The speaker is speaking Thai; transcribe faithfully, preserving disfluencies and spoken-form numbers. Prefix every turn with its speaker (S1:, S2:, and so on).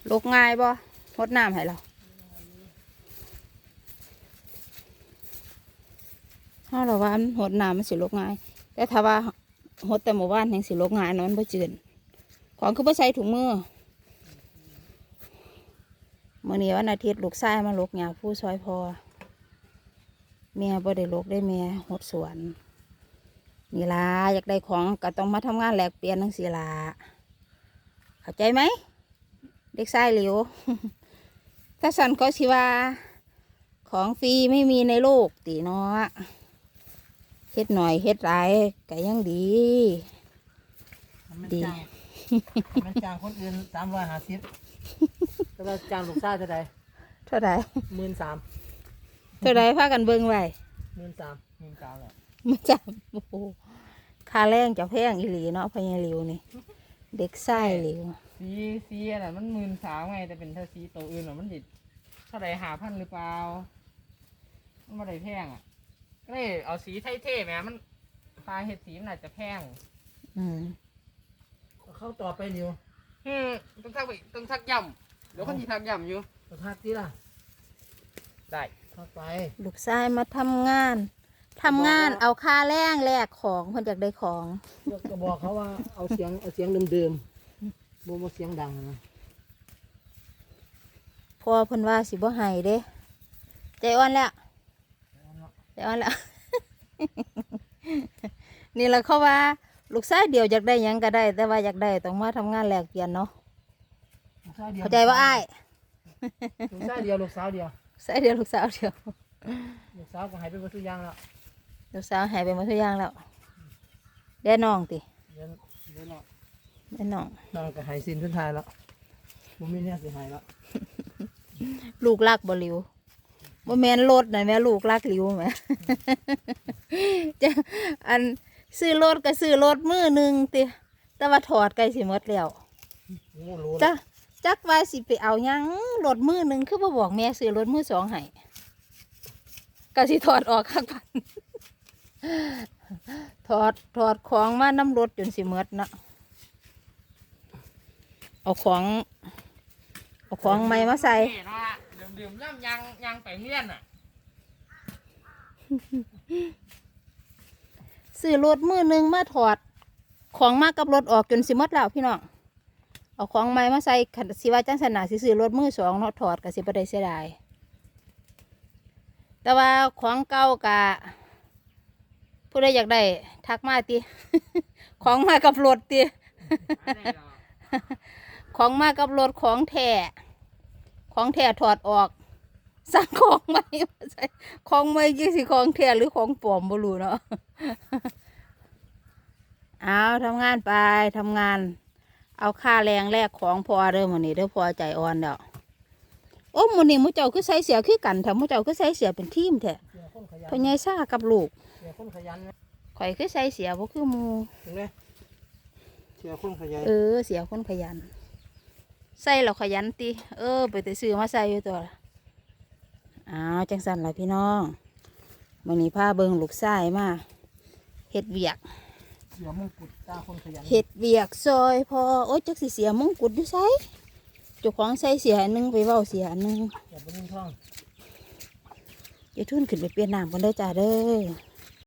S1: ลกง่ายบ่หดน้ำให้เราถ้าเราว่าหดน้ำมันสิลกง่ายแต่ถ้าว่าหดแต่หมู่บ้านแห่งสิลกง่ายนอนบ่จืดของคือบ่ใส่ถุงมือมื่อนี้วันอาทิตย์ลูกชายมาลกหญ้าผู้ซอยพอแม่บ่ได้ลกได้แม่หดสวนนี่ล่ะอยากได้ของก็ต้องมาทำงานแลกเปลี่ยนทั้งสี่ล่ะเข้าใจไหมเด็กชายหลิว ถ้าสันก็สิว่าของฟรีไม่มีในโลกตีเนาะเฮ็ดหน่อยเฮ็ดหลายก็ยังดีดี
S2: มันจ้างคนอื่นสามร้อยห้าสิบแต่ว่าจ้างลูกชายเท่าไหร่
S1: เท่าไหร่
S2: หมื่นสาม
S1: เท่าไหร่พากันเบิ่งไว้
S2: หมื่นสามหมื่นสามแหละ
S1: มันจับโอ้โหค่าแรงจะแพงอีหลีเนาะพญาหลิวนี่เด็กชายหลิว
S2: สีสีอะไรมันหมื่นสามไงแต่เป็นเท่าสีตัวอื่นหรอมันดิเท่าไหร่หาพันหรือเปล่ามันไม่ได้แพงอ่ะก็เลยเอาสีไทยเท่ไหมมันปลาเห็ดสีมันอาจจะแพง
S1: อืม
S2: เข้าต่อไปนิวอืมต้องทักไปต้องทักย่ำเดี๋ยวคนที่ทักย่ำอยู่ต้องทักที่ล่ะได้ทักไป
S1: ลูกชายมาทำงานทำงานเอาค่าแรงแลกของเพิ่นอยากได้ของ
S2: ก็บอกเขาว่าเอาเสียงเอาเสียงเดิมๆโมโมเสียงดังนะ
S1: พอเพิ่นว่าสิบ่ให้เด้ใจอ่อนแล้วใจอ่อนแล้ว นี่แหละเขาว่าลูกชายเดียวอยากได้ยังก็ได้แต่ว่าอยากได้ต้องมาทำงานแลกเปลี่ยนเนาะเข้าใจว่าอ้าย
S2: ลูกชายเดียวลูกสาวเดียว
S1: ชายเดียวลูกสาวเดียว
S2: ลูกสาวก็หายไปหมดทุกอย่างแล้ว
S1: ลูกสาวหายไปหมดทุกอย่างแล้วได้น้องติ
S2: ได้น้อง
S1: ได้น้อง
S2: น้องก็หายสิ้นสุดท้ายแล้วผมมีเนี่ยสิหายแล้ว
S1: ลูกรักบ่หลิวบ่แม่นรถนะแม่ลูกรักหลิวแม่จะอันซื้อรถก็ซื้อรถมือหนึ่งติแต่ว่าถอดใกล้สิหมดแล้วจ้ะจักว่าสิไปเอายังรถมือหนึ่งคือบ่บอกแม่ซื้อรถมือสองให้ก็สิถอดออกข้างพันถอดถอดของมาน้ำรถจนสิหมดนะเอาของเอาของใหม่มาใส่
S2: ดื่มๆย่ำยังยังไปเลี้ยนอ่ะ
S1: ซื้อรถมือหนึ่งมาถอดของมากับรถออกจนสิหมดแล้วพี่น้องเอาของใหม่มาใส่ขันสิว่าจังสนาสิซื้อรถมือสองเนาะถอดกับสิบได้เสียดายแต่ว่าของเก่ากะผู้ใดอยากได้ทักมาตีของมากับรถตีของมากับรถของแท้ของแท้ถอดออกสั่งของใหม่มาใส่ของใหม่ยี่สิของแท้หรือของปลอมบ่รู้เนาะเอาทำงานไปทำงานเอาค่าแรงแลกของพอเด้อมื้อนี้เด้อพอใจอ่อนแล้วโอ้มื้อนี้มื้อเจ้าคือใส่เสียคือกันแท้มื้อเจ้าคือใส่เสียเป็นทีมแท้พ่อใหญ่ซ่ากับลูกข่อยคือใส่เสียบ่คือหมู่
S2: เสียคนขยัน
S1: เออเสียคนขยันใส่แล้วขยันติเออไปแต่ซื้อมาใส่อยู่ตัวอ้าวจังสั่นล่ะพี่น้องมื้อนี้พาเบิ่งลูกชายมาเฮ็ดเวียก
S2: เสียมงกุฎตาคนขยัน
S1: เฮ็ดเวียกซอยพอโอ๊ยจักสิเสียมงกุฎอยู่ไสเจ้าของใส่เสียอันนึงไปเว้าเสียอันนึง
S2: อย่าไปนิ่งท้อง
S1: อย่าทุ่นขึ้นไปเปลี่ยนน้ำกันเด้อจ้าเด้อ